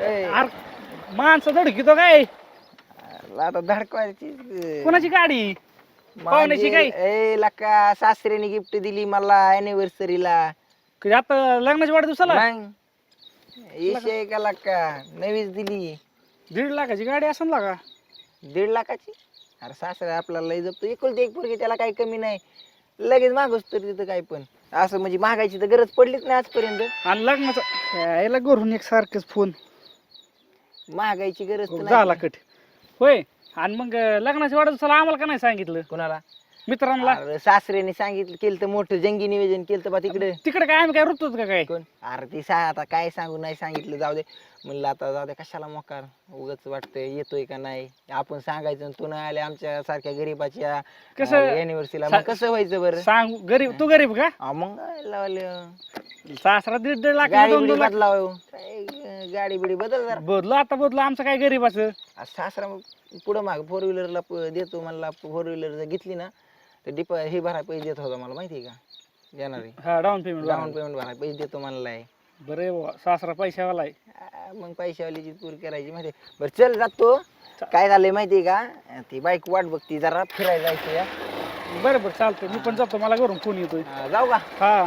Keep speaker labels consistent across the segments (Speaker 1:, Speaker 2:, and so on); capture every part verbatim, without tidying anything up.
Speaker 1: माणसं धडकितो काय
Speaker 2: आता धडकवायची
Speaker 1: कोणाची गाडी पाहुण्याची काय
Speaker 2: ए लका सासऱ्याने गिफ्ट दिली मला अॅनिव्हर्सरीला
Speaker 1: आता लग्नाच्या वाढदिवसाला
Speaker 2: विषय का लका नवीच दिली
Speaker 1: दीड लाखाची गाडी असेल ना का
Speaker 2: दीड लाखाची अरे सासरा आपल्याला लय जपतो एकुलती एक पोरगी त्याला काही कमी नाही लगेच मागवस तर तिथं काय पण असं म्हणजे मागायची तर गरज पडलीच नाही आजपर्यंत
Speaker 1: आणि लग्नाचा यायला घरून एक सारखंच फोन
Speaker 2: मागायची गरज तर
Speaker 1: झाला कट होय आणि मग लग्नाच्या वाढदिवसाला आम्हाला का नाही सांगितलं
Speaker 2: कोणाला
Speaker 1: मित्रांना
Speaker 2: अरे सासऱ्याने सांगितलं केलं तर मोठं जंगी निवेदन केलं तर बा तिकडे
Speaker 1: तिकडे काय आम्ही काय रुतोच का काय
Speaker 2: कोण अरे ती सा आता काय सांगू नाही सांगितलं जाऊ दे म्हणलं आता जाऊ दे कशाला मोकार उगाच वाटतंय येतोय का नाही आपण सांगायचं तू नाही आले आमच्या सारख्या गरीबाच्या
Speaker 1: कसं
Speaker 2: अॅनिव्हर्सरीला मग कसं व्हायचं बरं
Speaker 1: सांग गरीब तू गरीब का
Speaker 2: हा मग लावलं
Speaker 1: सासरा दीड दीड लाख
Speaker 2: गाडी
Speaker 1: दोन
Speaker 2: बिडी
Speaker 1: दोन लाख
Speaker 2: बदलाव काय गाडी बिडी बदल जरा
Speaker 1: बदलो आता बदलो आमचं काय गरीबाचं
Speaker 2: आ, सासरा मग पुढं माग फोर व्हीलरला देतो म्हणला फोर व्हीलर जर घेतली ना तर डिप हे भराय पैसे देत होता मला माहिती आहे का देणार आहे
Speaker 1: हा डाऊन पेमेंट
Speaker 2: डाऊन पेमेंट भराय पैसे देतो म्हणलाय
Speaker 1: बरे सासरा पैशावाला आहे
Speaker 2: आ, मग पैशावालीची पूर करायची माहिती आहे. बरं चल जातो काय झालंय माहिती आहे का ती बाईक वाट बघती जरा फिरायला जायचं या
Speaker 1: बरं बरं चालतंय मी पण जातो मला घरून फोन येतोय
Speaker 2: आ, जाऊ का
Speaker 1: हा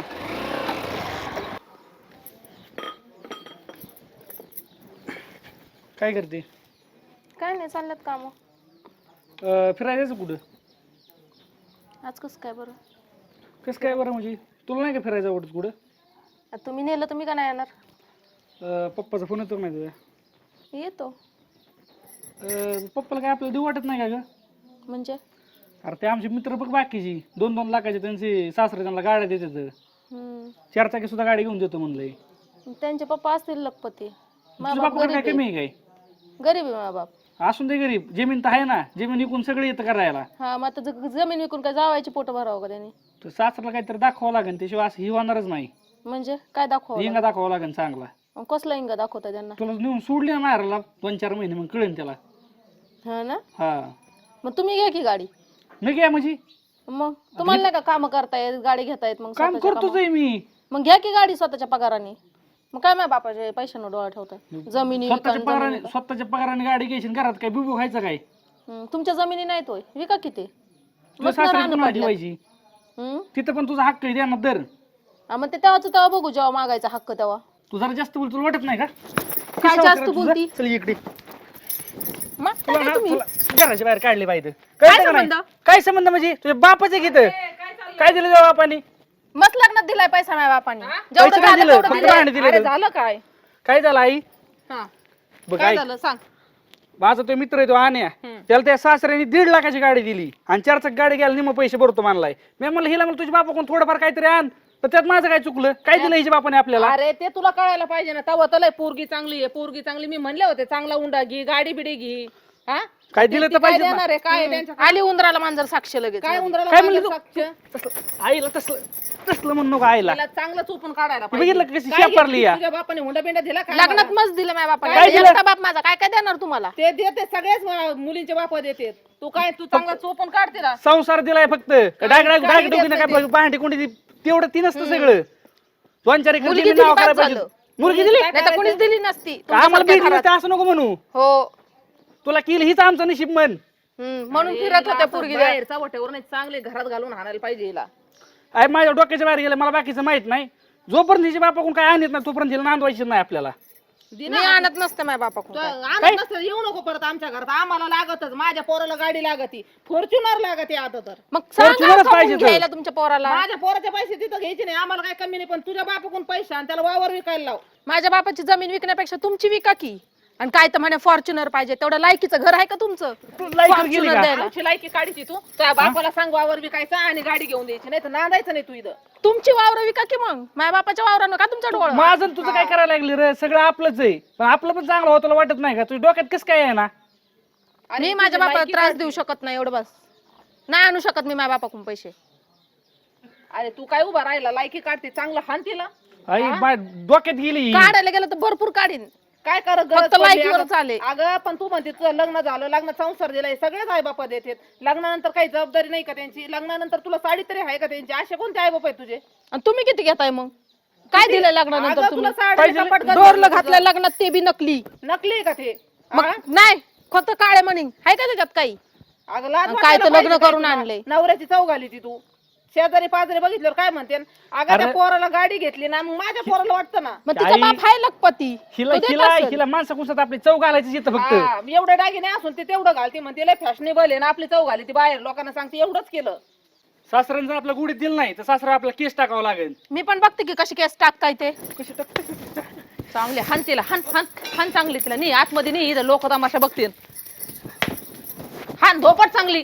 Speaker 1: काय करते
Speaker 3: काय नाही चालल्यात काम
Speaker 1: अं, फिरायला जायचं कुठं
Speaker 3: आज कसं काय बरं
Speaker 1: कसं काय बरं म्हणजे तुला नाही का फिरायचं आवडत कुठं
Speaker 3: आता तुम्ही नेलं तुम्ही का नाही येणार
Speaker 1: अं, पप्पाचा फोन येतो का नाही तुझ्या
Speaker 3: येतो
Speaker 1: अं, पप्पाला काय आपल्याला देऊ वाटत नाही का ग
Speaker 3: म्हणजे
Speaker 1: अरे ते आमचे मित्र बघ बाकीची दोन दोन लाखाचे त्यांचे सासरे त्यांना गाड्या देतात
Speaker 3: हम्म.
Speaker 1: चार चाकी सुद्धा गाडी घेऊन देतो म्हणलंय
Speaker 3: त्यांचे पप्पा असतील लखपती
Speaker 1: तुझ्या
Speaker 3: बाप
Speaker 1: बापाकडे काय
Speaker 3: गरीब
Speaker 1: कमी आहे काय
Speaker 3: आहे. गरीब आहे माझा बाप
Speaker 1: असून दे गरीब जमीन तर आहे ना जमीन विकून सगळं येतं करायला
Speaker 3: हा मग आता ज- जमीन विकून काय जावायची पोट भरावं का त्यांनी
Speaker 1: तर सासऱ्याला काहीतरी दाखवावं लागेल त्याशिवाय असं ही होणारच नाही
Speaker 3: म्हणजे काय दाखवा
Speaker 1: हिंगा दाखवावं लागेल चांगला
Speaker 3: कसला इंगा दाखवता त्यांना
Speaker 1: तुला नेऊन सोडली ना मारायला दोन चार महिने मग कळेल त्याला
Speaker 3: हा ना
Speaker 1: हा
Speaker 3: मग तुम्ही घ्या की गाडी
Speaker 1: मी काय म्हणजे
Speaker 3: मग तुम्हाला नाही का काम करता येत गाडी घेता येत मग
Speaker 1: काम
Speaker 3: स्वतःच्या
Speaker 1: करतोच
Speaker 3: कामावर?
Speaker 1: आहे मी
Speaker 3: मग घ्या की गाडी स्वतःच्या पगाराने मग काय माझ्या बापाच्या पैशानं डोळा ठेवताय जमिनी विका
Speaker 1: स्वतःच्या पगाराने स्वतःच्या पगाराने गाडी घ्यायची आणि घरात काय बिबू खायचं काय
Speaker 3: हम्म, तुमच्या जमिनी नाही तोय विका किती
Speaker 1: तुला सासऱ्याची पण ठेवायची
Speaker 3: हम्म
Speaker 1: तिथं पण तुझा हक्क आहे देणार दर
Speaker 3: हा, मग ते तेव्हाच तेव्हा बघू जेव्हा मागायचा हक्क तेव्हा
Speaker 1: तू जरा जास्त बोल तुला वाटत नाही का
Speaker 3: काय
Speaker 1: किती
Speaker 3: जास्त
Speaker 1: सावकार तुझं?
Speaker 3: बोलती?
Speaker 1: चल इकडे
Speaker 3: मग
Speaker 1: तुला
Speaker 3: काय
Speaker 1: ना
Speaker 3: तुम्ही
Speaker 1: तुला घराच्या बाहेर काढले पाहिजे कळतं का नाही?
Speaker 3: संबंध?
Speaker 1: काय संबंध म्हणजे तुझ्या बापाचे घेत काय दिलं तुझ्या बापानी
Speaker 3: मस्त लग्नात दिलाय पैसा माझ्या बापाने
Speaker 1: पैसे
Speaker 3: जेवढं
Speaker 1: नाही
Speaker 3: झालं
Speaker 1: दिलं,
Speaker 3: तेवढं
Speaker 1: फक्त
Speaker 3: दिलंय.
Speaker 1: भांडे दिले
Speaker 3: अरे
Speaker 1: तर.
Speaker 3: झालं काय
Speaker 1: काय झालं आई
Speaker 3: हा
Speaker 1: बघ
Speaker 3: काय
Speaker 1: आई
Speaker 3: झालं सांग
Speaker 1: माझा तो मित्र आहे तो आण्या त्याला त्या सासऱ्याने दीड लाखाची गाडी दिली आणि चार चाक गाडी घ्यायला निम पैसे भरतो मानलाय मी म्हणलं हिला म्हणलं तुझ्या बापा कोण थोडंफार काहीतरी आण तर त्यात माझं काय चुकलं काय दिलं हिच्या बापाने आपल्याला
Speaker 4: अरे ते तुला कळायला पाहिजे ना तवा तलय पोरगी चांगली आहे पोरगी चांगली मी म्हणले होते चांगला उंडा घे गाडी बिडी घे हा
Speaker 1: काय दिलं तर
Speaker 4: ती काय
Speaker 1: पाहिजे ना.
Speaker 4: देणार आहे काय आहे त्यांच्या
Speaker 3: आली उंदराला मांजर साक्ष लगेच
Speaker 4: काय उंदराला
Speaker 1: काय म्हणली
Speaker 4: मांजर
Speaker 1: तू?
Speaker 4: साक्ष?
Speaker 1: तसलं- आईला तसलं तसलं म्हणू नको आईला
Speaker 4: तिला चांगलं चोपून काढायला
Speaker 1: हे बघितलं का कशी
Speaker 4: काय
Speaker 1: शेपारली
Speaker 4: घेतली?
Speaker 1: या?
Speaker 4: तुझ्या बापाने हुंडा बिंडा दिला काय
Speaker 3: लग्नात
Speaker 4: मला?
Speaker 3: मस्त दिलं माझ्या
Speaker 1: काय
Speaker 3: बापाने
Speaker 1: दिलं?
Speaker 3: एकटा बाप माझा काय काय देणार तुम्हाला
Speaker 4: ते देते सगळेच मला मुलींचे बाप देते तू काय तू चांगला चोपून काढ तिला
Speaker 1: संसार दिलाय फक्त डाग डाग
Speaker 4: काही
Speaker 1: डाग डोकीनं
Speaker 4: देत
Speaker 1: काय भांडी कोणी तेवढं ती नसतं सगळं दोन चार एकर
Speaker 3: मुलगी
Speaker 1: जमीन
Speaker 3: दिली
Speaker 1: नाव
Speaker 3: बाद
Speaker 1: करायला पाहिजे
Speaker 3: झालं.
Speaker 1: मुलगी दिली
Speaker 3: नाही तर कोणीच दिली नसती
Speaker 1: आम्हाला
Speaker 3: तुमच्यासारख्या
Speaker 1: भेटली
Speaker 3: घरात.
Speaker 1: नसते असं नको म्हणू
Speaker 3: हो
Speaker 1: तुला किल हीच आमचं नशीब म्हण
Speaker 3: हम्म, म्हणून फिरत होत्या पोरगी
Speaker 4: बाहेरचा वटेवर नाही चांगले घरात घालून आणायला पाहिजे हिला
Speaker 1: आई माझ्या डोक्याच्या बाहेर गेलं मला बाकीचं माहित नाही जोपर्यंत हिच्या बापाकडून काय आणत नाही तोपर्यंत हिला नांदवायची नाही आपल्याला
Speaker 3: मी आणत नसते माझ्या बापाकडून
Speaker 4: तू
Speaker 3: काय.
Speaker 4: आणत नसतं येऊ नको परत आमच्या घरात आम्हाला लागतच माझ्या पोराला गाडी लागती फॉर्च्युनर लागते आता तर
Speaker 3: मग सांगा
Speaker 1: Fortunerच
Speaker 3: का
Speaker 1: पाहिजे
Speaker 3: म्हणून
Speaker 1: तर.
Speaker 3: घ्यायला तुमच्या पोराला
Speaker 4: माझ्या पोराचे पैसे तिथं घ्यायचे नाही आम्हाला काय कमी नाही पण तुझ्या बापाकडून पैसे आणि त्याला वावर विकायला लाव
Speaker 3: माझ्या बापाची जमीन विकण्यापेक्षा तुमची विका की आणि काय तर म्हणे फॉर्च्युनर पाहिजे तेवढं लायकीचं घर आहे का तुमचं
Speaker 1: लायकीवर गेली
Speaker 3: Fortuner
Speaker 1: का?
Speaker 3: द्यायला.
Speaker 4: आमची लायकी काढीची तू त्या बापाला सांग वावर विकायचा आणि गाडी घेऊन द्यायची नाही तर नांदायचं नाही तू इथं
Speaker 3: तुमची वावर विका की मग माझ्या बापाच्या वावरानं का तुमच्या डोळा
Speaker 1: माझं आणि तुझं काय करायला लागली रे सगळं आपलंच आहे पण आपलं पण चांगलं होतं तुला वाटत नाही का तुझ्या डोक्यात कसं काय आहे ना
Speaker 3: मी माझ्या बापाला त्रास देऊ शकत नाही एवढं बस नाही आणू शकत मी माझ्या बापाकडून पैसे
Speaker 4: अरे तू काय उभा राहिला लायकी काढते चांगलं हान तिला
Speaker 1: आई मा- डोक्यात गेली
Speaker 3: काढायला गेलं तर भरपूर काढीन
Speaker 4: काय कर
Speaker 3: फक्त लायकीवर चालेल.
Speaker 4: अगं पण तू म्हणते तुझं लग्न झालं लग्न संसार दिलाय सगळेच आई बापा देतात लग्नानंतर काही जबाबदारी नाही का त्यांची लग्नानंतर तुला साडी तरी आहे का त्यांची असे कोणते आई बाप आहेत तुझे
Speaker 3: आणि तुम्ही किती घेताय मग काय दिलं लग्नानंतर
Speaker 4: अगं,
Speaker 3: तुम्ही
Speaker 4: तुला साडी
Speaker 1: पाहिजे
Speaker 4: कपाट
Speaker 1: ना?
Speaker 3: डोरलं
Speaker 4: घातलं
Speaker 3: घातलं लग्नात ते बी नकली
Speaker 4: नकली आहे का ते
Speaker 3: मग
Speaker 4: हा?
Speaker 3: नाही फक्त काळे म्हणीन आहे का त्याच्यात काही
Speaker 4: अगं लाज
Speaker 3: आणि काय
Speaker 4: वाटायला
Speaker 3: तर लग्न
Speaker 4: पाहिजे काय
Speaker 3: करून
Speaker 4: तुला?
Speaker 3: आणलंय.
Speaker 4: नवऱ्याची चव घाली ती तू शेजारी पाजारी बघितल्यावर काय म्हणते अगं त्या
Speaker 1: अरे-
Speaker 4: पोराला गाडी घेतली ना मग माझ्या पोराला वाटतं ना
Speaker 3: मग तिचा
Speaker 1: आई-
Speaker 3: बाप आहे लखपती
Speaker 1: हिला
Speaker 3: तो देत
Speaker 1: हिला
Speaker 3: असेल.
Speaker 1: हिला माणसा कुसात आपली चव घालायची येतं फक्त
Speaker 4: हा, एवढे दागिने असून ते तेवढं घालते म्हणते लय फॅशनेबल आहे ना आपली चव घाली ती बाहेर लोकांना सांगते एवढंच केलं
Speaker 1: सासऱ्यानं जर आपल्या गुढीत दिलं नाही तर सासरा आपला केस टाकावं लागेल.
Speaker 3: मी पण बघते की कशी केस टाकताय ते
Speaker 1: कशी टाक-
Speaker 3: चांगले हान तिला हान हान हान चांगली तिला नाही आतमध्ये नाही इथं लोक तमाशा बघतील हान धोपट चांगली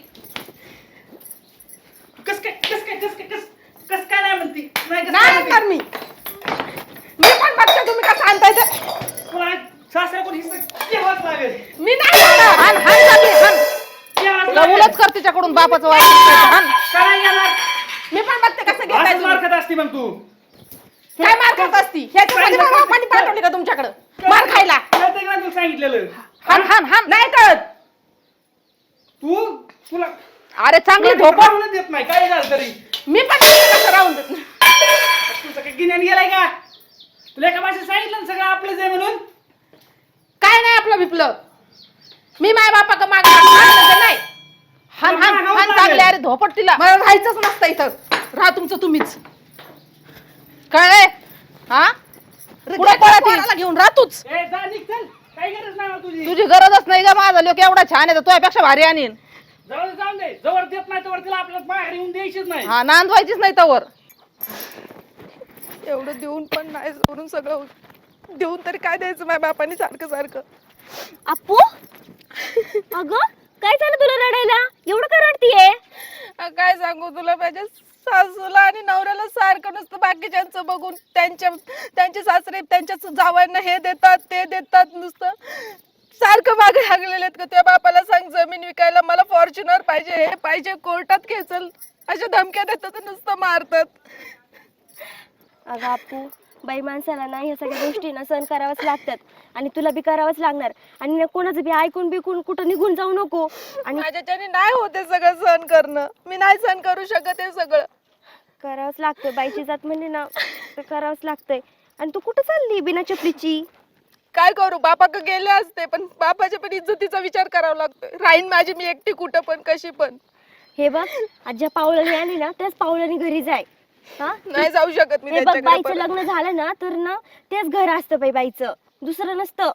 Speaker 1: कस काय कस काय कस काय कस कस काय नाही म्हणती नाही कसं काय
Speaker 3: नाही
Speaker 1: म्हणती?
Speaker 3: आणणार मी मी पण बघते तुम्ही कसं आणताय ते
Speaker 1: तुला सासऱ्या कोण हिस्सा घ्यावाच लागेल.
Speaker 3: मी नाही आणणार. हान हान चांगली हान
Speaker 1: घ्यावाच
Speaker 3: तुला
Speaker 1: लागेल.
Speaker 3: उलट कर तिच्याकडून बापाचं वाईट हान
Speaker 1: काय येणार?
Speaker 3: मी पण बघते कसं घेताय
Speaker 1: असंच
Speaker 3: तुम्ही.
Speaker 1: मार खात असती मग तू.
Speaker 3: काय मार खात असती ह्याच्यासाठी
Speaker 1: काय-
Speaker 3: बाबा पाणी पाठवली का तुमच्याकडे मार खायला
Speaker 1: कळतंय का तुला सांगितलेलं?
Speaker 3: हान हान हान नाही कळत
Speaker 1: तू तुला
Speaker 3: अरे चांगली
Speaker 1: तुला
Speaker 3: धोपट
Speaker 1: पाहूनच देत नाही काय झालं तरी.
Speaker 3: मी पण बघते कसं राहून देत
Speaker 1: तुझं काय गिन्यान गेलाय का? तुला एका भाषेत सांगितलं ना सगळं आपलंच आहे म्हणून.
Speaker 3: काय नाही आपलं बिपलं मी माय बापा का माग नाही हान हान हान चांगले अरे धोपट तिला मला राहायचंच नसतं इथं राहा तुमचं तुम्हीच कळले हा पुढे पळत घेऊन राहा तूच
Speaker 1: ए, जा निघ, चल. काही गरज नाही मला तुझी.
Speaker 3: तुझी गरजच नाही का माझा लोक एवढा छान आहे तर तुझ्यापेक्षा भारी आणीन
Speaker 1: जाऊ दे, जाऊन दे. जवळ देत नाही तोवर तिला आपल्याला बाहेर येऊन द्यायचीच नाही.
Speaker 3: हा नांदवायचीच नाही तवर एवढं देऊन पण नाही सोडून सगळं देऊन तरी काय द्यायचं माझ्या बापाने सारखं सारखं
Speaker 5: अप्पू अगं काय झालं तुला रडायला एवढं का रडतीये
Speaker 3: काय सांगू तुला माझ्या सासूला आणि नवऱ्याला सारखं नसतं बाकीच्यांचं बघून त्यांच्या त्यांचे सासरे त्यांच्या जावयांना हे देतात ते देतात नुसतं सारखं मागे लागलेले आहेत का त्या बापाला सांग जमीन विकायला मला फॉर्च्युनर पाहिजे हे पाहिजे कोर्टात खेचल अशा धमक्या देतात आणि नुसतं मारतात
Speaker 5: अगं अप्पू बाई माणसाला ना ह्या सगळ्या गोष्टी ना सहन कराव्याच लागतात आणि तुला बी करावंच लागणार आणि ना कोणाचं बी ऐकून बिकून कुठं निघून जाऊ नको आणि
Speaker 3: माझ्याच्याने नाही होते सगळं सहन करणं मी नाही सहन करू शकत हे सगळं
Speaker 5: करावंच लागतं बाईची जात म्हणजे ना तर करावंच लागतंय आणि तू कुठं चालली बिना चपलीची
Speaker 3: काय करू बापाक गेले असते पण बापाच्या पण इज्जतीचा विचार करावा लागतोय राहीन माझी मी एकटी कुठं पण कशी पण
Speaker 5: हे बघ आज ज्या पावलाने आली ना त्याच पावलाने घरी जाय हा
Speaker 3: नाही जाऊ शकत मी
Speaker 5: हे बघ
Speaker 3: त्यांच्याकडे
Speaker 5: बाईचं
Speaker 3: परत.
Speaker 5: लग्न झालं ना तर ना तेच घर असतं बाई बाईचं दुसरं नसतं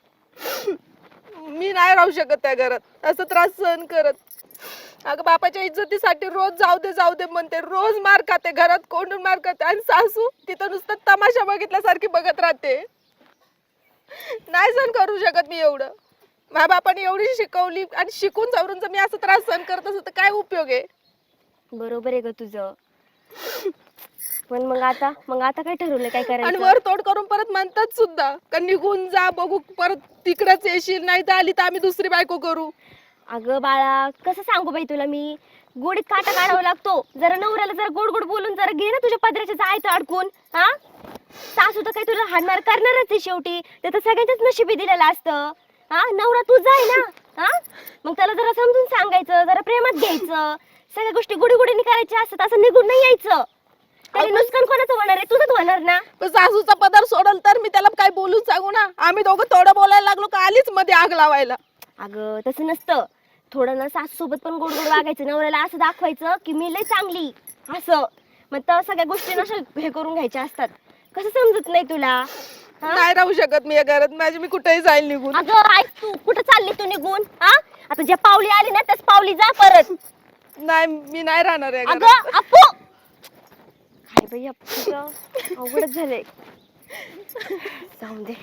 Speaker 3: मी नाही राहू शकत त्या घरात असं त्रास सहन करत अगं बापाच्या इज्जतीसाठी रोज जाऊ दे जाऊ दे म्हणते रोज मार खाते घरात कोंडून मार खाते आणि सासू तिथं नुसतं तमाशा बघितल्यासारखी बघत राहते नाही सहन करू शकत मी एवढं माझ्या बापाने एवढी शिकवली आणि शिकून जाऊन जर मी असं त्रास सहन करत असत तर काय उपयोग आहे
Speaker 5: बरोबर आहे ग तुझं पण मग आता मग आता काय ठरवलं काय
Speaker 3: आणि
Speaker 5: करायचं
Speaker 3: वर तोड करून परत म्हणतात सुद्धा का निघून जा बघू परत तिकडच येशील नाही तर आली तर आम्ही दुसरी बायको करू
Speaker 5: अगं बाळा कसं सांगू बाई तुला मी गोडीत काटा काढावा लागतो जरा नवऱ्याला जरा गोड गोड बोलून जरा घे ना तुझ्या पदराच्या जायचं अडकून हा सासू तर काही तुला हाणमार करणारच आहे शेवटी ते तर सगळ्यांच्याच नशिबी दिलेलं असतं हा नवरा तू जाय ना हा मग त्याला जरा समजून सांगायचं जरा प्रेमात घ्यायचं सगळ्या गोष्टी गुडी गुडीने करायच्या असतात असं निघून नाही यायचं त्याने नुकसान कोणाचं होणार आहे तुझंच होणार ना
Speaker 3: पण सासूचा पदार सोडल तर मी त्याला काय बोलून सांगू ना आम्ही दोघं थोडं बोलायला लागलो का आलीच मध्ये आग लावायला
Speaker 5: अगं तसं नसतं थोडं ना सासू सोबत पण गोड गोड वागायचं नवऱ्याला असं दाखवायचं की मी लय चांगली असं मग तर सगळ्या गोष्टी नशा हे करून घ्यायच्या असतात कसं समजत नाही तुला हा?
Speaker 3: नाही राहू शकत मी या घरात माझी मी कुठेही जाईल निघून
Speaker 5: अगं ऐक तू कुठं चालली तू निघून हा आता ज्या पावली आली ना त्याच पावली जा परत
Speaker 3: नाही मी नाही राहणार या घरात
Speaker 5: अगं अप्पू काय बाई अप्पूचं अवघडच झालंय जाऊन दे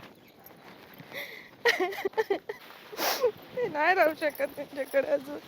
Speaker 3: मी नाही राहू शकत त्यांच्याकडे अजून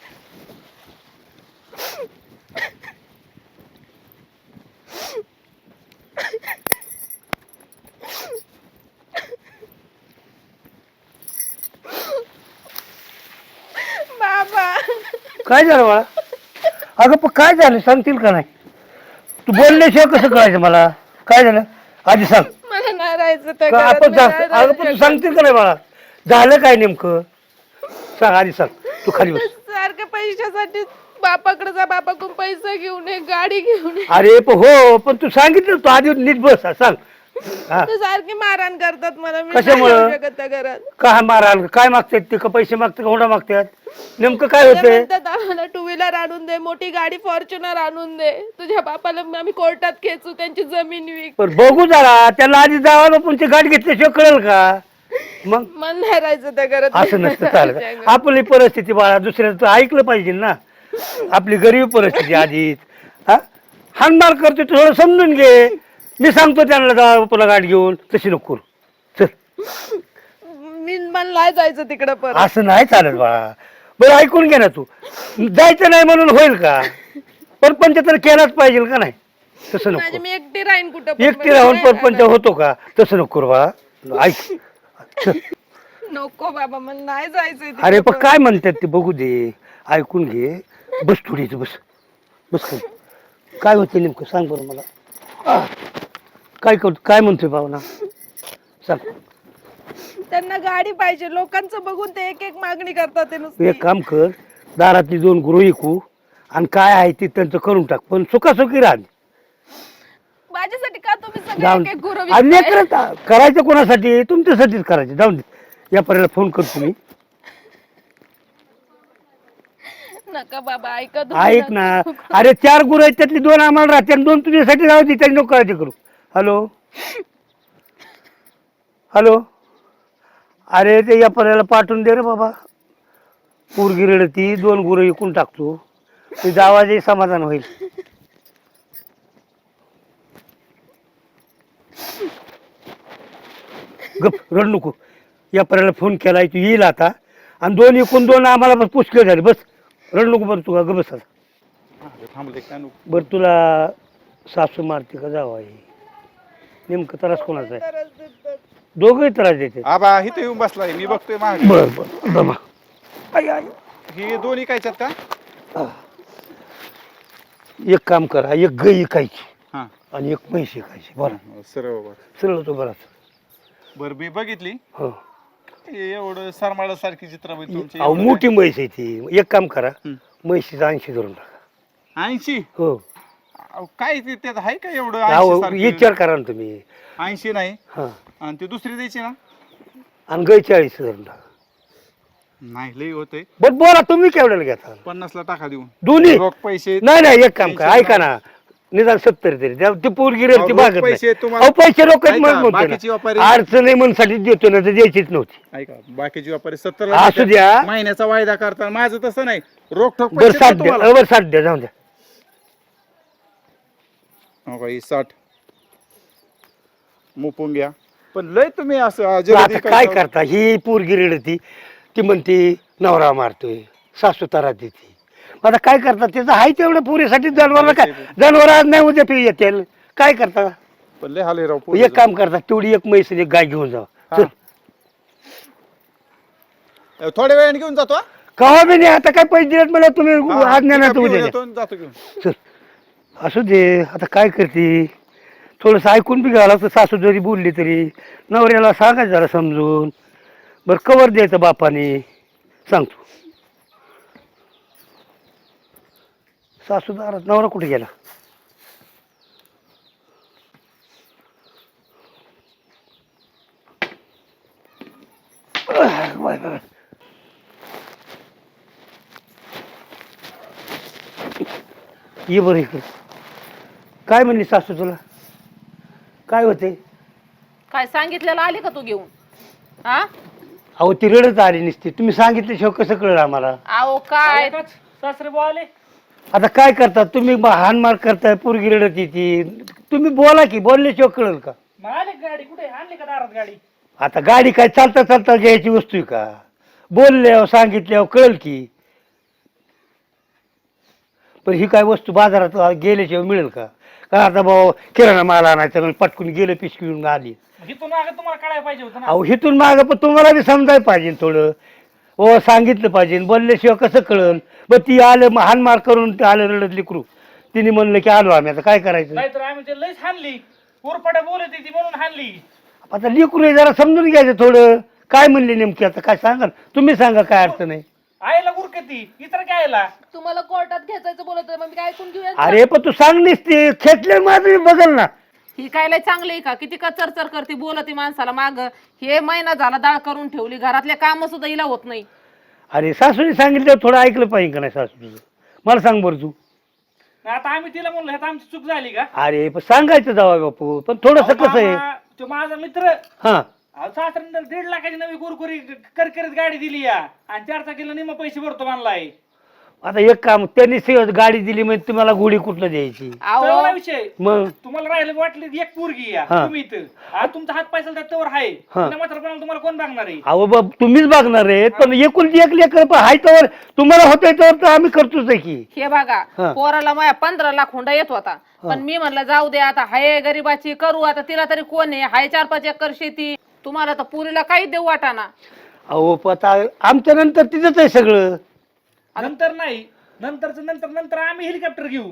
Speaker 3: बाबा
Speaker 6: काय झालं बाळा अगं पण काय झालं सांगतील का नाही तू बोलल्याशिवाय कसं कळायचं मला काय झालं आधी सांग
Speaker 3: मला नाही राहायचं त्या
Speaker 6: का
Speaker 3: घरात,
Speaker 6: आपण
Speaker 3: मी
Speaker 6: सांग
Speaker 3: नाही
Speaker 6: अगं
Speaker 3: राहू
Speaker 6: पण तू
Speaker 3: शकत.
Speaker 6: सांगतील का नाही बाळा झालं काय नेमकं सांग आधी सांग तू खाली बस
Speaker 3: सारखं पैशासाठी बापाकडे जा, बापाकडून पैसे घेऊन ये, गाडी घेऊन ये.
Speaker 6: अरे पण हो पण तू सांगितलं तू आधी नीट बस हा, सांग हा
Speaker 3: ते सारखी मारहाण करतात मला. मी
Speaker 6: कशामुळं?
Speaker 3: नाही राहू शकत त्या घरात.
Speaker 6: का माराल काय मागतात ते का पैसे मागतात का हुंडा मागतात नेमकं काय
Speaker 3: ते
Speaker 6: होतंय
Speaker 3: म्हणतात आम्हाला टू व्हीलर आणून दे, मोठी गाडी फॉर्च्युनर आणून दे, तुझ्या बापाला आम्ही कोर्टात खेचू, त्यांची जमीन विक.
Speaker 6: पण बघू जरा त्याला आधी जावा पण ते गाडी घेतल्याशिवाय कळेल का मग
Speaker 3: मन नाही राहायचं त्या घरात.
Speaker 6: असं नसतं चालत आपली परिस्थिती बाळा दुसऱ्याचं ऐकलं पाहिजे ना आपली गरीब परिस्थिती आधीच हा हानमार करतो थोडं समजून घे मी सांगतो त्यांना जा तुला गाडी घेऊन तशी नको करू. चल
Speaker 3: मी मला नाही जायचं तिकडं परत.
Speaker 6: असं नाही चालत बाळा बरं ऐकून घे ना तू जायचं नाही म्हणून होईल का परपंच तर केलाच पाहिजे का नाही तसं
Speaker 3: माझी
Speaker 6: नको
Speaker 3: मी एकटी राहीन कुठं पण.
Speaker 6: एकटी राहून परपंच होतो का तसं नको करू बाळा ऐक चल.
Speaker 3: नको बाबा, मला नाही जायचंय तिकडं
Speaker 6: अरे पण
Speaker 3: परत.
Speaker 6: काय म्हणतात ते बघू दे ऐकून घे बस थोडी इथं बस बस खाली. काय होतं नेमकं सांग बरं मला आह. काय कर काय म्हणतोय भावना सांग
Speaker 3: त्यांना गाडी पाहिजे, लोकांचं बघून ते एक एक मागणी करतात ते
Speaker 6: तू
Speaker 3: नुसती.
Speaker 6: एक काम कर दारातली दोन गुरु ऐकू आणि काय आहे ते त्यांचं करून टाक पण सुखासुखी राहा
Speaker 3: माझ्यासाठी का तुम्ही सगळे
Speaker 6: जाऊन
Speaker 3: एक एक गुरु
Speaker 6: आणि
Speaker 3: विकताय?
Speaker 6: लेकरं करायचं कोणासाठी तुमच्यासाठीच करायचं जाऊन दे या पर्याला फोन करतो मी
Speaker 3: नका बाबा, ऐका तुम्ही.
Speaker 6: ऐक ना अरे चार गुरु आहेत त्यातली दोन आम्हाला राहते आणि दोन तुझ्यासाठी राहू दे त्यांनी नको काळजी करू हॅलो हॅलो अरे ते या पर्याला पाठवून दे रे बाबा पोरगी रडती दोन गुरु विकून टाकतो तुझा आवाजही समाधान होईल गप रड नको या पर्याला फोन केलाय तू येईल आता आणि दोन एकूण दोन आम्हाला बस पुष्कळ झाले बस रड नको बरं तू का ग बस आता
Speaker 1: थांबले काय नको
Speaker 6: बरं तुला सासू मारते का जावं आहे नेमकं त्रास कोणाचा आहे
Speaker 3: तरच देतात.
Speaker 6: दोघंही त्रास देते
Speaker 7: आबा इथे येऊन बसलाय मी बघतोय मागे
Speaker 6: बर बर दमा आई, आई.
Speaker 7: ही दोन्ही कायच्यात का
Speaker 6: एक काम करा एक गाय ऐकायची
Speaker 7: हा
Speaker 6: आणि एक म्हैस ऐकायची बरं
Speaker 7: सरळ बाबा
Speaker 6: सरळ तो बराच
Speaker 7: बर मी बघितली
Speaker 6: हो
Speaker 7: हे एवढं सरमाळा सारखी चित्र तुमची
Speaker 6: अहो मोठी म्हैस आहे ती एक काम करा
Speaker 7: हं.
Speaker 6: म्हैशीचा ऐंशी धरून टाका
Speaker 7: ऐंशी
Speaker 6: हो
Speaker 7: अहो, काय ते त्यात आहे का एवढं
Speaker 6: अहो
Speaker 7: ऐंशी सारखं?
Speaker 6: विचार करा ना तुम्ही
Speaker 7: ऐंशी नाही
Speaker 6: हा
Speaker 7: आणि ती दुसरी द्यायची ना
Speaker 6: आणि गाय चाळीस धरून टाका
Speaker 7: नाही लई होते
Speaker 6: बरं बोला तुम्ही केवढ्याला घेता
Speaker 7: पन्नास ला टाका देऊन
Speaker 6: दोन्ही
Speaker 7: रोख पैसे
Speaker 6: नाही नाही एक काम करा
Speaker 7: पैसे
Speaker 6: ऐका ना निदान सत्तर तरी द्या. ती पोरगी रे ती
Speaker 7: अहो,
Speaker 6: भागत
Speaker 7: पैसे
Speaker 6: नाही
Speaker 7: तुम्हाला-
Speaker 6: अहो पैसे लोक
Speaker 7: ऐका, बाकीची व्यापारी-
Speaker 6: अडचण आहे म्हणून देतो ना तर द्यायचीच नव्हती
Speaker 7: ऐका बाकीची व्यापारी सत्तर
Speaker 6: असू द्या.
Speaker 7: महिन्याचा वायदा करता माझं तसं नाही रोख ठोक
Speaker 6: बरं
Speaker 7: पैसे
Speaker 6: साठ
Speaker 7: देतो
Speaker 6: द्या
Speaker 7: तुम्हाला.
Speaker 6: बरं साठ द्या जाऊन द्या
Speaker 7: हो का, ही साठ मुपून घ्या पण लय तुम्ही असं
Speaker 6: पण
Speaker 7: जलदी
Speaker 6: आता काय
Speaker 7: करता.
Speaker 6: करता ही पोरगी रेडती ती म्हणते नवरा मारतोय सासू तारा देते आता काय करता त्याचं आहे तेवढं पुरीसाठी जनावरला काय जनावर आज नाही उद्या पी येतील काय करता
Speaker 7: पण लय हाले राव
Speaker 6: एक
Speaker 7: पोरीचं.
Speaker 6: काम करता तेवढी एक म्हैस आणि एक गाय घेऊन जा
Speaker 7: हा. थोड्या वेळाने घेऊन जातो हा?
Speaker 6: कवा बी नाही आता काय पैसे दिलेत मला तुम्ही
Speaker 7: हा,
Speaker 6: आज नाही
Speaker 7: पिकअप
Speaker 6: उद्या
Speaker 7: घेऊन
Speaker 6: द्या.
Speaker 7: येतो आणि जातो घेऊन
Speaker 6: चल असू दे आता काय करते थोडस ऐकून बी घ्यावं लागतं सासू जरी बोलली तरी नवऱ्याला सांगायचं जरा समजून बरं कवर द्यायचं बापाने सांगतो सासू दारात नवरा कुठे गेला आह, बाय, बाय. ये बरं इकडे काय म्हणली सासू तुला काय होते
Speaker 4: काय सांगितलेलं आली का तू घेऊन हा
Speaker 6: अहो ती रडत आली नसती तुम्ही सांगितल्याशिवाय कसं कळलं आम्हाला
Speaker 4: अहो काय
Speaker 1: सासरे भाऊ आले
Speaker 6: आता काय करता तुम्ही ब- हाणमार करताय पोरगी रडत येते तुम्ही बोला की बोलल्याशिवाय कळलं का
Speaker 1: मग आले का गाडी कुठे आणली का दारात गाडी
Speaker 6: आता गाडी काय चालता चालता घ्यायची वस्तू आहे का बोलल्यावर सांगितल्यावर कळल की पण ही काय वस्तू बाजारात गेल्याशिवाय मिळेल का का आता भाऊ किराणा माल आणायचा म्हणून पटकून गेलं पिशवी घेऊन आली
Speaker 1: इथून मागे तुम्हाला कळायला पाहिजे होतं ना
Speaker 6: अहो हिथून मागं पण तुम्हाला बी समजायला पाहिजे थोडं हो सांगितलं पाहिजे बोलल्याशिवाय कसं कळल मग ती आलं हानमार करून ते आलं रडत लेकरू तिने म्हणलं की आलो आम्ही आता काय करायचं
Speaker 1: नाहीतर आम्ही ते लयच हाणली उरपाट्या बोलत होती म्हणून हाणली
Speaker 6: आता लेकरू आहे, जरा समजून घ्यायचं थोडं काय म्हणले नेमकी आता काय सांगा ना. तुम्ही सांगा काय अर्थ नाही
Speaker 1: आईला उर ती इतर काय आला
Speaker 4: तुम्हाला कोर्टात खेचायचं बोलत होते, मग मी काय ऐकून घेऊया?
Speaker 6: अरे पण तू सांगलीस ते खेचले माझं बघल ना.
Speaker 4: ही काय लय चांगली आहे का? किती का चरचर करते, बोलते माणसाला माग. हे महिना झाला दाळ करून ठेवली, घरातले काम सुद्धा हिला होत नाही.
Speaker 6: अरे सासूने सांगितलं थोडं ऐकलं पाहिजे का नाही सासू तुझं? मला सांग बरं तू.
Speaker 1: आता आम्ही तिला म्हणलो ह्यात आमची चूक झाली का?
Speaker 6: अरे पण सांगायचं जावा बापू, पण थोडस कसं आहे.
Speaker 1: मामा, तो माझा मित्र
Speaker 6: हा
Speaker 1: सासऱ्याने दीड लाखाची नवी कुरकुरी करकरीत गाडी दिली या आणि चार चाकीला निम्मा पैसे भरतो म्हणलाय.
Speaker 6: आता एक काम त्यांनी सहज गाडी दिली म्हणजे तुम्हाला गोळी कुठलं द्यायची
Speaker 4: अहो
Speaker 1: चांगला विषय.
Speaker 6: मग
Speaker 1: तुम्हाला राहिलं वाटली एक पोरगी या
Speaker 6: हा.
Speaker 1: तुम्ही इथं आज तुमचा हात पैसा त्याच्यावर आहे
Speaker 6: हा.
Speaker 1: मात्र तुम्हाला कोण बघणार आहे?
Speaker 6: अहो बाब तुम्हीच बघणार आहेत, पण एकुलती एक लेकर पण हाय तर तुम्हाला होतंय तर आम्ही करतोच आहे की.
Speaker 4: हे बघा,
Speaker 6: हा.
Speaker 4: पोराला माया पंधरा लाख हुंडा येत होता, पण मी म्हणलं जाऊ दे आता, हाय गरीबाची करू आता, तिला तरी कोण आहे, हाय चार पाच एकर शेती, तुम्हाला तर पुरीला काही देऊ वाटाना.
Speaker 6: अहो पता आमच्या नंतर तिथंच आहे सगळं.
Speaker 1: नंतर नाही, नंतरच नंतर नंतर आम्ही हेलिकॉप्टर घेऊ.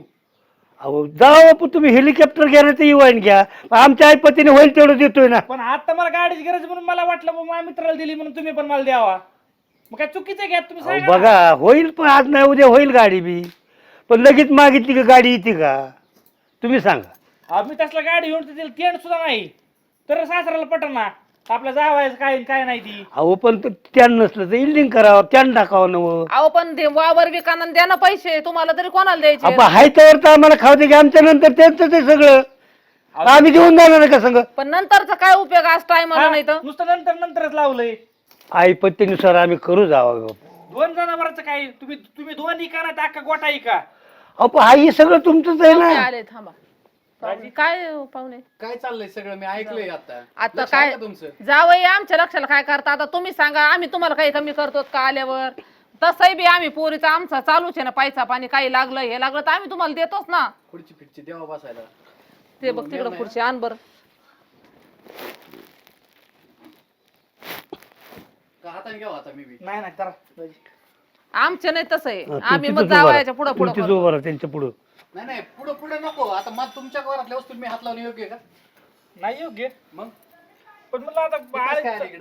Speaker 6: अहो जावा बापू तुम्ही हेलिकॉप्टर घ्या ना, ते इवाईन घ्या, आमच्या आईपतीने होईल तेवढं देतोय ना.
Speaker 1: पण आता मला गाडीची गरज म्हणून मला वाटलं बाबा माझ्या मित्राला दिली म्हणून तुम्ही पण मला द्यावा. मग काय चुकीचं घ्या तुम्ही
Speaker 6: अहो
Speaker 1: सांगा ना.
Speaker 6: बघा होईल, पण आज नाही उद्या होईल गाडी बी, पण लगेच मागितली की गाडी येते का तुम्ही सांगा.
Speaker 1: आम्ही तसला गाडी घेऊन तिला तेंड सुद्धा नाही तर सासऱ्याला पटना आपल्या जावायचं काय काय नाही ती.
Speaker 6: अहो पण त्यान नसलं तर इल्डिंग करावं, त्यान टाकावं नवं.
Speaker 4: अहो पण दे- वावर विकाना द्या ना पैसे, तुम्हाला तरी कोणाला द्यायचे?
Speaker 6: आपण हाय तर तर आम्हाला खाऊ दे की, आमच्या नंतर त्यांचं ते सगळं आम्ही घेऊन जाणार का संग.
Speaker 4: पण नंतरचा काय उपयोग आज टायमाला
Speaker 1: हा,
Speaker 4: नाही तर?
Speaker 1: नुसतं नंतर नंतरच लावलंय.
Speaker 6: आईपत्तीनुसार आम्ही करू जावं बापू.
Speaker 1: दोन जनावरांचं काय तुम्ही तुम्ही दोन इका ना अख्खा गोटा इका.
Speaker 6: अहो पण हा हे सगळं तुमचंच आहे
Speaker 4: पाहुणे
Speaker 6: ना.
Speaker 4: आले, थांबा. पाहुणे, काय हो, पाहुणे
Speaker 8: काय चाललंय सगळं मी ऐकलंय आता.
Speaker 4: आता
Speaker 8: लक्ष
Speaker 4: काय
Speaker 8: आहे का तुमचं?
Speaker 4: जावई आमच्या लक्षाला काय करता? आता तुम्ही सांगा, आम्ही तुम्हाला काही कमी करतो का आल्यावर? तसंही बी आम्ही पोरीचा आमचा चालूच आहे ना, पैसा पाणी काही लागलं हे लागलं तर आम्ही तुम्हाला देतोच ना.
Speaker 8: खुर्ची फिरची देवा बसायला.
Speaker 4: ते बघ तिकडं पुढचे आण बर.
Speaker 8: का हाताने घ्यावं आता मी बी.
Speaker 1: नाही नाही करा.
Speaker 4: आमचे नाही तसं आहे,
Speaker 6: हा,
Speaker 4: आम्ही
Speaker 6: तुमचीच
Speaker 4: मग
Speaker 6: उभं राहा.
Speaker 4: जावयाच्या पुढं पुढं
Speaker 6: तुमचीच
Speaker 4: करतो.
Speaker 6: उभं राहा त्यांच्या पुढं.
Speaker 8: नाही नाही पुढं पुढे नको. आता मग तुमच्या घरातल्या वस्तू मी हात लावणे योग्य आहे का?
Speaker 1: नाही योग्य.
Speaker 8: मग
Speaker 1: पण मला आता
Speaker 8: ते कसं काय आलं
Speaker 1: बाळ-
Speaker 8: इकडं?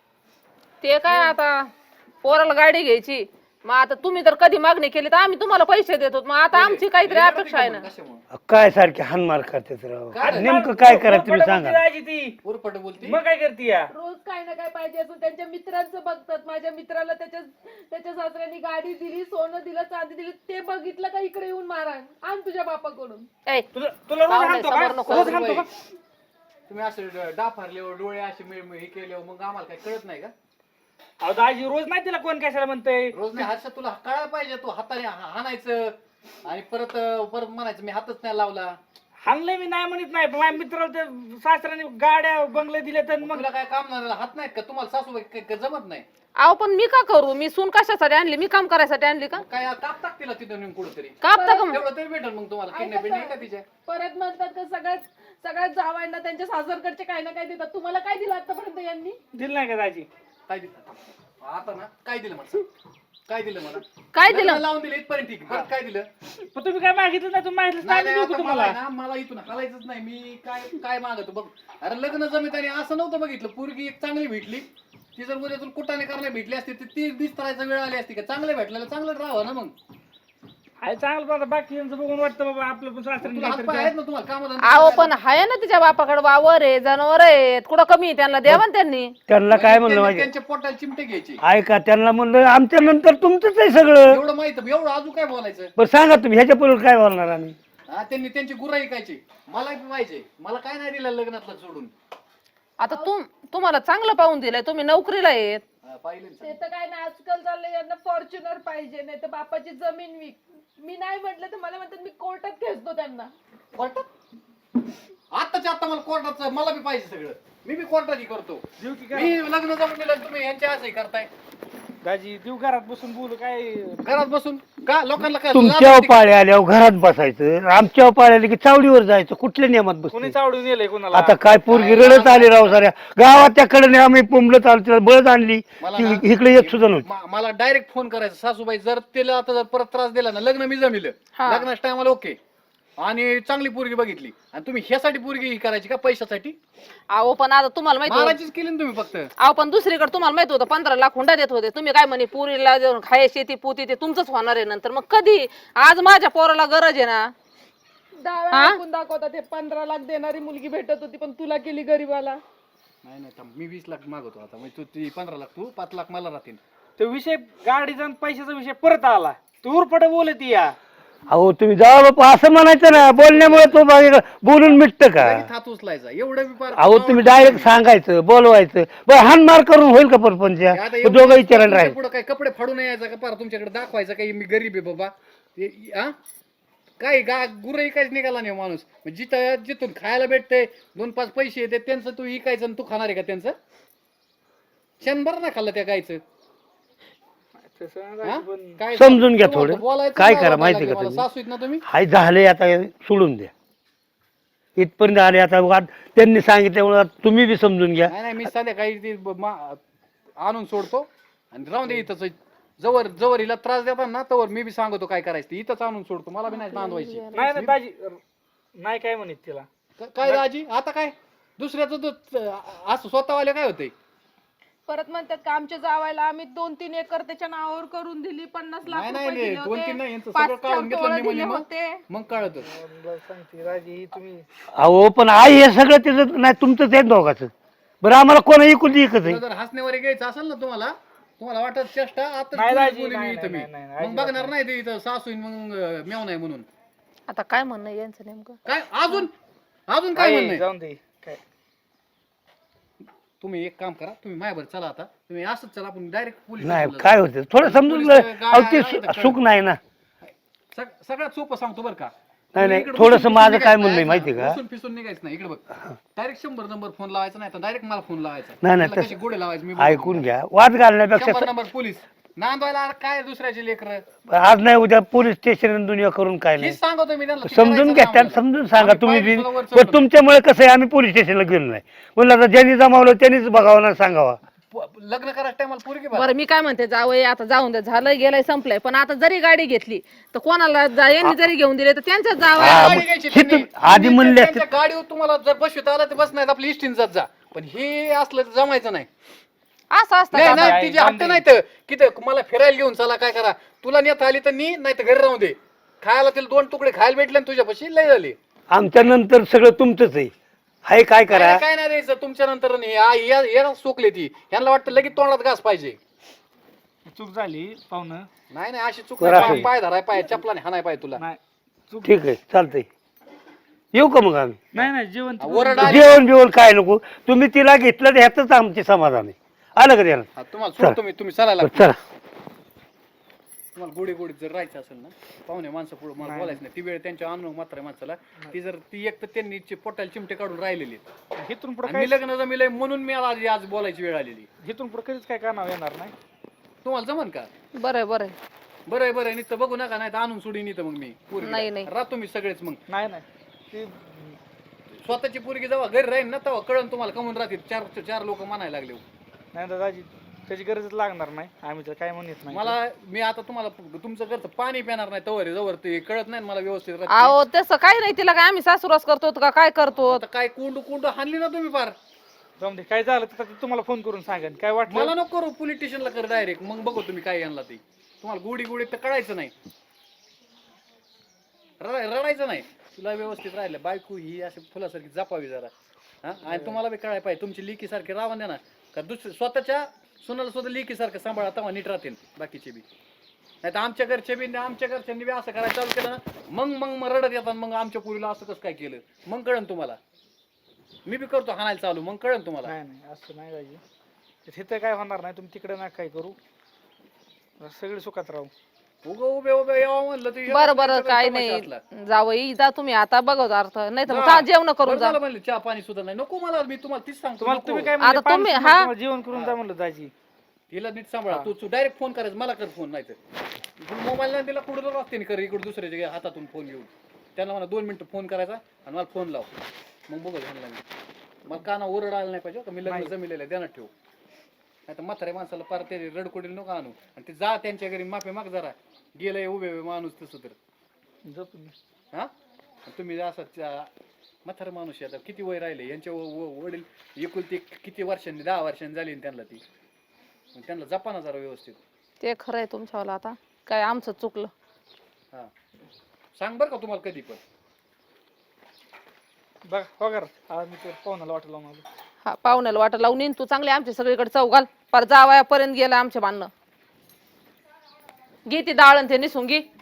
Speaker 4: ते काय आता पोराला गाडी घ्यायची, मग आता तुम्ही तर कधी मागणी केली तर आम्ही तुम्हाला पैसे देतो, मग आता आमची काहीतरी अपेक्षा आहे ना.
Speaker 8: कशामुळे
Speaker 6: काय सारखे हानमार करतात राव.
Speaker 8: काय?
Speaker 6: नेमकं काय करायचं तुम्ही
Speaker 1: पोरपट
Speaker 6: सांगा.
Speaker 1: बोलती राहायची ती.
Speaker 8: उरपट बोलती.
Speaker 1: मग काय करते या?
Speaker 3: रोज काय ना काय पाहिजे असं त्यांच्या मित्रांचं बघतात. माझ्या मित्राला त्याच्या त्याच्या सासऱ्यांनी गाडी दिली, सोनं दिलं, चांदी दिली, ते बघितलं का इकडे येऊन मारा आण तुझ्या बापाकडून.
Speaker 4: ए,
Speaker 1: तुला तुला रोज
Speaker 4: पाहुणे,
Speaker 1: हाणतो
Speaker 4: समोर
Speaker 1: का?
Speaker 4: नको.
Speaker 1: रोज हाणतो का?
Speaker 8: तुम्ही असं डाफारल्यावर डोळे असे मिळ- मिळ- हे केल्यावर मग आम्हाला काय कळत नाही का?
Speaker 1: अहो दाजी रोज नाही तिला कोण कशाला म्हणतंय.
Speaker 8: रोज नाही हर्षा तुला कळायला पाहिजे. तू हाताने हा- हाणायचं आणि परत परत म्हणायचं मी हातच नाही लावला.
Speaker 1: हाणलंय मी नाही म्हणत नाही पण माझ्या मित्राला ते सासऱ्याने गाड्या बंगले दिले तर मग
Speaker 8: तुला काय काम नाही हात नाहीत का? तुम्हाला सासूबाई काय- काय जमत नाही?
Speaker 4: अहो पण मी का करू? मी सून कशासाठी आणली? मी काम करायसाठी आणली का?
Speaker 8: काय काप टाक तिला तिथं नेऊन कुठंतरी.
Speaker 4: कापता का मग?
Speaker 8: तेवढं तरी भेटेल मग तुम्हाला. किडनॅप
Speaker 3: ऐका
Speaker 8: का तिच्या?
Speaker 3: परत म्हणतात का सगळ्यात सगळ्यात जावायला त्यांच्या सासरकडचे काय ना काय देतात. तुम्हाला काय दिलं आतापर्यंत यांनी?
Speaker 1: दिलं नाही का दाजी?
Speaker 8: काय दिलं आता ना? काय दिलं मला? काय दिलं मला?
Speaker 4: काय
Speaker 8: लग्न
Speaker 4: दिलं?
Speaker 8: लावून दिलं इथपर्यंत ठीक. परत काय दिलं?
Speaker 1: पण तुम्ही काय मागितलं नाही तुम्ही मागितलं
Speaker 8: नाही
Speaker 1: नाही
Speaker 8: नाही,
Speaker 1: देऊ का
Speaker 8: आता मला
Speaker 1: तुम्हाला?
Speaker 8: आहे ना, मला इथून हलायचंच नाही. मी काय काय मागतो बघ. अरे लग्न जमीत आणि असं नव्हतं बघितलं. पोरगी एक चांगली भेटली, ती जर उद्यातून कुटाने करायला भेटली असती तर ती दिसतायचा वेळ आली असती का? चांगलं भेटलेलं चांगलं राहावं ना मग.
Speaker 1: आहे चांगलं पण आता बाकी यांचं बघून वाटतं बाबा आपलं पण सासऱ्याने
Speaker 8: तुला हात
Speaker 1: काहीतरी
Speaker 8: पाय
Speaker 1: द्या.
Speaker 8: आहेत ना तुम्हाला काम
Speaker 4: अहो पण हाय ना तिच्या बापाकडे वावर आहे, जनावर आहेत, कुठं कमी आहे? त्यांना द्यावा ना त्यांनी.
Speaker 6: त्यांना काय म्हणलं माहिती
Speaker 8: त्यांच्या पोटाला चिमटे घ्यायचे.
Speaker 6: ऐका, त्यांना म्हणलं आमच्या नंतर तुमचंच आहे सगळं.
Speaker 8: एवढं माहित एवढं अजून काय बोलायचं?
Speaker 6: बरं सांगा तुम्ही ह्याच्या पुढे काय बोलणार आम्ही.
Speaker 8: हा त्यांनी त्यांची गुरा ऐकायची. मला बी पाहिजे. मला काय नाही दिलं लग्नातलं सोडून.
Speaker 4: आता तुम तुम्हाला चांगलं पाहून दिलंय, तुम्ही नोकरीला आहेत.
Speaker 8: हा, पाहिलं ना.
Speaker 3: ते तर काय नाही आजकाल चाललंय यांना फॉर्च्युनर पाहिजे, नाही तर बापाची जमीन विक. मी नाही म्हटलं तर मला म्हणतात मी कोर्टात खेचतो त्यांना.
Speaker 8: कोर्टात? आताच्या आता मला कोर्टाचं मला बी पाहिजे सगळं. मी बी कोर्टाची करतो.
Speaker 1: देऊ की काय?
Speaker 8: मी लग्न जमून दिलं तुम्ही यांच्या असंही करताय.
Speaker 1: दाजी देऊ घरात बसून बोलू काय?
Speaker 8: घरात बसून का लोकांना काय
Speaker 6: तुमच्या पाळे आल्यावर घरात बसायचं, आमच्या पाळे आले की चावडीवर जायचं. कुठल्या नियमात
Speaker 1: कोणी
Speaker 6: बसतो
Speaker 1: चावडून नेलंय कोणाला?
Speaker 6: आता काय पोरगी रडत आली राव साऱ्या गावात. त्याकडे आम्ही पुंबलत आलो, तिला बळद आणली,
Speaker 8: मला
Speaker 6: ती
Speaker 8: ना-
Speaker 6: इकडे येत सुद्धा नव्हती.
Speaker 8: म- मला डायरेक्ट फोन करायचा सासूबाई जर तिला आता जर परत त्रास दिला ना लग्न मी जमिलं
Speaker 4: हा.
Speaker 8: लग्नाच्या टायमाला ओके आणि चांगली पोरगी बघितली आणि तुम्ही ह्यासाठी पोरगी ही करायची का पैशासाठी?
Speaker 4: अहो पण आता तुम्हाला माहिती होतं-
Speaker 8: मारायचीच केली ना तुम्ही फक्त.
Speaker 4: अहो पण दुसरीकडे तुम्हाला माहित होतं पंधरा लाख हुंडा देत होते, तुम्ही काय म्हणे पुरीला देऊन खाय शेती पोती ते तुमचंच होणार आहे नंतर, मग कधी? आज माझ्या पोराला गरज आहे ना.
Speaker 3: डाव्या
Speaker 4: हा?
Speaker 3: ऐकून दाखवतात हे पंधरा लाख देणारी मुलगी भेटत होती पण तुला केली गरीबाला.
Speaker 8: नाही नाही थांब, मी वीस लाख मागवतो आता, म्हणजे तू ती पंधरा लाख तू पाच लाख मला राहतील.
Speaker 1: तो विषय गाडीचा आणि पैशाचा विषय परत आला, तू उरपट बोलत या.
Speaker 6: अहो तुम्ही जावा बापा असं म्हणायचं ना, बोलण्यामुळे तो बाकी बोलून मिटतं का?
Speaker 8: लगेच हात उचलायचा एवढं बी फार-
Speaker 6: अहो तुम्ही डायरेक्ट सांगायचं, बोलवायचं, बरं हानमार करून होईल का परपंच?
Speaker 8: आता एवढं
Speaker 6: दोघं विचारायला राहील.
Speaker 8: पुढे काय कपडे फाडून यायचं का पार तुमच्याकडे दाखवायचं काही मी गरीब आहे बाबा? हे- हा काय गा गुरही काहीच निघाला नाही माणूस. मग जिथं जिथून खायला भेटते दोन पाच पैसे येते त्यांचं तू इकायचं आणि तू खाणार आहे का त्यांचं? शंभर ना खाल्लं त्या गायचं. हा? काय
Speaker 6: समजून घ्या
Speaker 8: तुम्हाला
Speaker 6: थोडं.
Speaker 8: बोलायचं
Speaker 6: काय
Speaker 8: नाव
Speaker 6: करा
Speaker 8: वाटायला
Speaker 6: माहिती
Speaker 8: लागलं
Speaker 6: का
Speaker 8: मला.
Speaker 6: तुम्ही?
Speaker 8: सासू आहेत ना तुम्ही?
Speaker 6: हाय झाले आता सोडून द्या, इथपर्यंत आले आता. वाद त्यांनी सांगितल्यामुळे तुम्ही बी समजून घ्या.
Speaker 8: नाही नाही मी संध्याकाळी ती ब- मा- आणून सोडतो आणि राहून दे इथंच. जवळ जवळ हिला त्रास देतात ना तवर मी बी सांगतो काय करायचं ते. इथंच आणून सोडतो, मला बी नाही बांधवायची.
Speaker 1: नाही ना दाजी, नाही काय म्हणत तिला.
Speaker 8: क- काय राजी आता काय दुसऱ्याचं तो असं स्वतःवाले काय होतंय?
Speaker 3: परत म्हणतात का आमच्या जावायला आम्ही दोन तीन एकर त्याच्या नावावर करून दिली, पन्नास लाख
Speaker 8: नाही नाही
Speaker 3: रुपये
Speaker 8: नाही,
Speaker 3: दिले
Speaker 8: दोन तीन नाही,
Speaker 3: होते,
Speaker 8: यांचं
Speaker 3: पाच
Speaker 8: सगळं काढून घेतलं
Speaker 3: टोळं
Speaker 8: निम्मं
Speaker 3: दिले
Speaker 8: निम्मं.
Speaker 3: होते.
Speaker 8: मग कळत.
Speaker 1: मला सांगते राजी तुम्ही.
Speaker 6: अहो पण आई हे सगळं त्याचं नाही, तुमचंच आहे दोघाचं. बरं आम्हाला कोण ऐकून एकच आहे.
Speaker 8: जर हसण्यावर घ्यायचं असेल ना तुम्हाला, तुम्हाला वाटत चेष्टा आता
Speaker 1: नाही
Speaker 8: बोलली
Speaker 1: राजी,
Speaker 8: बोलली
Speaker 1: नाही,
Speaker 8: मी इथं मी
Speaker 1: नाही, नाही, नाही,
Speaker 8: मग बघणार नाही ते इथं सासू मग मेव नाही म्हणून.
Speaker 4: आता काय म्हणणं आहे यांचं नेमकं?
Speaker 8: काय अजून अजून काय म्हणणं आहे?
Speaker 1: जाऊन दे काय.
Speaker 8: तुम्ही एक काम करा, तुम्ही माझ्यावर चला आता. तुम्ही असंच चला, आपण डायरेक्ट पोलीस
Speaker 6: नाही
Speaker 8: स्टेशनला
Speaker 6: काय होतं थोडं समजून
Speaker 8: पोलीस
Speaker 6: घ्या. अहो ते
Speaker 8: गाड्या
Speaker 6: सु- सुख नाही ना.
Speaker 8: जाऊ. सग- सगळ्यात सोपं सांगतो बरं का.
Speaker 6: नाही, नाही,
Speaker 8: इकडे
Speaker 6: थोडंसं
Speaker 8: उसून
Speaker 6: माझं
Speaker 8: पिसून
Speaker 6: काय
Speaker 8: निघायचं
Speaker 6: म्हणणं आहे
Speaker 8: नाही,
Speaker 6: माहिती आहे का?
Speaker 8: उसून पिसून निघायचं नाही. इकडे बघ, डायरेक्ट शंभर नंबर फोन लावायचा नाही तर डायरेक्ट मला फोन लावायचा.
Speaker 6: नाही, नाही,
Speaker 8: त्याला
Speaker 6: तसं-
Speaker 8: कशी गोडे लावायचे मी
Speaker 6: ऐकून घ्या, वाद घालण्यापेक्षा
Speaker 8: शंभर नंबर पोलीस नांदवायला अरे काय दुसऱ्याचे लेकर
Speaker 6: आज नाही उद्या पोलीस स्टेशन दुनिया करून काय नाही.
Speaker 8: हेच सांगतो मी त्यांना. ते
Speaker 6: समजून
Speaker 8: करायचं
Speaker 6: घ्या,
Speaker 8: नाही
Speaker 6: त्यांना
Speaker 8: आम्हाला.
Speaker 6: समजून सांगा
Speaker 8: आम्ही
Speaker 6: तुम्ही
Speaker 8: पायरी
Speaker 6: बी.
Speaker 8: सुद्धा वर
Speaker 6: पण
Speaker 8: चढलो
Speaker 6: तुमच्यामुळे कसं आहे, आम्ही पोलीस स्टेशनला गेलो नाही. म्हणलं आता ज्यांनी जमावलं त्यांनीच बघावं ना सांगावा.
Speaker 8: प- लग्न करायचं टायमाला पोरगी बघा.
Speaker 4: बरं मी काय म्हणते, जावई आता जाऊन दे, झालं गेलंय संपलंय. पण आता जरी गाडी घेतली तर कोणाला जा- यांनी जरी घेऊन दिले तर त्यांच्याच जावई.
Speaker 6: हा,
Speaker 8: गाडी
Speaker 6: मग
Speaker 8: घ्यायची
Speaker 6: हे
Speaker 8: त्यांनी.
Speaker 6: तर आधी
Speaker 8: तुम्ही
Speaker 6: म्हणले
Speaker 8: त्यांच्या गाडीवर तुम्हाला जर बसविता आलं तर बस नाही आपली इष्टीन जात जा. पण हे असलं तर जमायचं नाही.
Speaker 4: असं असतं
Speaker 8: नाही
Speaker 4: का?
Speaker 8: नाही तिचे हट्ट नाही तर किती मला फिरायला घेऊन चला काय करा. तुला नेता आली तर नी, नाही तर घरी राहून दे. खायला तिला दोन तुकडे खायला भेटले ना तुझ्यापाशी लय झाली.
Speaker 6: आमच्या नंतर सगळं तुमचंच आहे. हाय काय करा.
Speaker 8: काय काय नाही द्यायचं तुमच्या नंतर याला सोकले ती. यांना वाटतं लगेच तोंडात घास पाहिजे.
Speaker 1: चूक झाली पाहुणं.
Speaker 8: नाही नाही अशी चूक
Speaker 6: करा.
Speaker 8: नाही. पाय धराय पाय चपलाने हाणाय पाय तुला.
Speaker 1: नाही चूक.
Speaker 6: ठीक आहे चालतंय. येऊ का मग आम्ही?
Speaker 1: नाही नाही जेवण तिकडून-
Speaker 8: ओरड आली.
Speaker 6: जेवण बिवण काय नको, तुम्ही तिला घेतलं तर ह्यातच आमचे समाधान आहे. आलं का त्याला?
Speaker 8: हा, तुम्हाला सोडतो मी, तुम्ही चालायला
Speaker 6: बरं, चला.
Speaker 8: तुम्हाला गोडी गोडीत जर राहायचं असेल ना, पाहुणे माणसं पुढे मला बोलायचं नाही. ती वेळ त्यांच्या अनुभव मात्र माणसाला ती जर ती एक तर त्यांनी चे- पोटाला चिमटे काढून राहिलेली आहेत.
Speaker 1: इथून पुढे
Speaker 8: आणि मी लग्न जमिलंय म्हणून मी आज आज बोलायची वेळ आलेली.
Speaker 1: इथून पुढे कधीच काय कानावर येणार नाही.
Speaker 8: तुम्हाला जमन का?
Speaker 4: बरं आहे, बरं आहे.
Speaker 8: बरं आहे, बरं आहे. नुसतं बघू नका, नाही तर आणून सोडीन इथं मग मी पोरगीला.
Speaker 4: नाही, नाही.
Speaker 8: राहतो मी सगळेच मग.
Speaker 1: नाही नाही ती
Speaker 8: स्वतःची पोरगी जेव्हा घरी राहील ना तेव्हा कळण तुम्हाला कमून राहतील. चार चार लोक म्हणायला लागले.
Speaker 1: नाही दादाजी त्याची गरजच लागणार नाही. आम्ही तर काय म्हणत नाही.
Speaker 8: मला मी आता तुम्हाला तुमचं घरचं पाणी पिणार नाही तवर जवळ ते कळत नाही ना मला व्यवस्थित राहते.
Speaker 4: अहो तसं काही नाही, तिला काय आम्ही सासूरस करतो का काय करतो?
Speaker 8: आता काय कोंडू कोंडू हाणली ना तुम्ही फार.
Speaker 1: जाऊन दे, काय झालं तर ते तुम्हाला फोन करून सांगेन. काय वाटलं
Speaker 8: मला नको करू, पोलीस स्टेशनला कर डायरेक्ट. मग बघू तुम्ही काय आणला ते. तुम्हाला गोडी गोडी तर कळायचं नाही, रडाय- रडायचं नाही. तुला व्यवस्थित राहिलं बायको ही अशी फुलासारखी जपावी जरा. हा आणि तुम्हाला बी कळाय पाहिजे तुमची लेकी सारखी राहा द्या ना का दुसऱ्या स्वतःच्या सुनाला सुद्धा लेकी सारखं सांभाळा तेव्हा नीट राहतील बाकीचे बी. नाही तर आमच्या घरचे बी आमच्या घरच्यांनी बी असं करायला चालू केलं ना मग मग मग रडत येतात. मग आमच्या पुरीला असं कसं काय केलं मग कळन तुम्हाला. मी बी करतो हाणायला चालू मग कळन तुम्हाला.
Speaker 1: नाही नाही असं नाही दाजी. तिथं काय होणार नाही. तुम्ही तिकडे ना काय करू, सगळे सुखात राहू.
Speaker 8: उगं उभे उभे यावं म्हणलं तर
Speaker 4: बरं बरं
Speaker 8: सगळं
Speaker 4: काय
Speaker 8: तमाशा
Speaker 4: नाही,
Speaker 8: असला.
Speaker 4: जावई जा तुम्ही आता बघत अर्थ नाही तर मग
Speaker 8: जा.
Speaker 4: जा, जेवण करून
Speaker 8: बरं
Speaker 4: जा.
Speaker 8: झालं म्हणलं चहा पाणी सुद्धा नाही नको मला. मी तुम्हाला तीच सांगतो
Speaker 1: तुम्हाला
Speaker 8: नको.
Speaker 1: तुम्ही काय
Speaker 4: आता
Speaker 1: म्हणले, पाणी
Speaker 4: तुम्ही-
Speaker 1: सुद्धा
Speaker 4: हा.
Speaker 1: तुम्हाला जेवण करून जा म्हणलं दाजी.
Speaker 8: तिला नीट सांभाळा. तू तू डायरेक्ट फोन करायचं मला कर फोन. नाही तर मोबाईल नाही तिला कुठं रस्त्याने कर इकडे दुसऱ्याच्या हातातून फोन घेऊन. त्यांना मला दोन मिनिटं फोन करायचा आणि मला फोन लाव. मग बघू झालं मी मला काना ओरड आला नाही पाहिजे का मी लग्न जमिलेलं आहे ध्यानात ठेवू. नाही तर म्हाताऱ्या माणसाला पार ते रडकोडील नको आणू. आणि ते जा त्यांच्या घरी माफी माग जरा. गेलंय उभे उभे माणूस तसं तर.
Speaker 1: झोपून घे.
Speaker 8: हा तुम्ही असं म्हातारा माणूस आहे, आता किती वय राहिले यांच्या व- व- वडील एकुलती किती वर्षांनी दहा वर्षांनी झाली ना त्यांना ती, मग त्यांना जपा ना जरा व्यवस्थित.
Speaker 4: ते खरंय तुमच्यावाला, आता काय आमचं चुकलं.
Speaker 8: हा सांग बरं का तुम्हाला कधी पण.
Speaker 1: बघ वगैरे हा मी तर पाहुण्याला वाटलं लावून आलो.
Speaker 4: हा पाहुण्याला वाटा लावून येईन तू चांगली आमच्या सगळीकडे चौघाल पर जावयापर्यंत गेला आमच्या बांधणं. घे ती डाळ आणि ते निसून घे.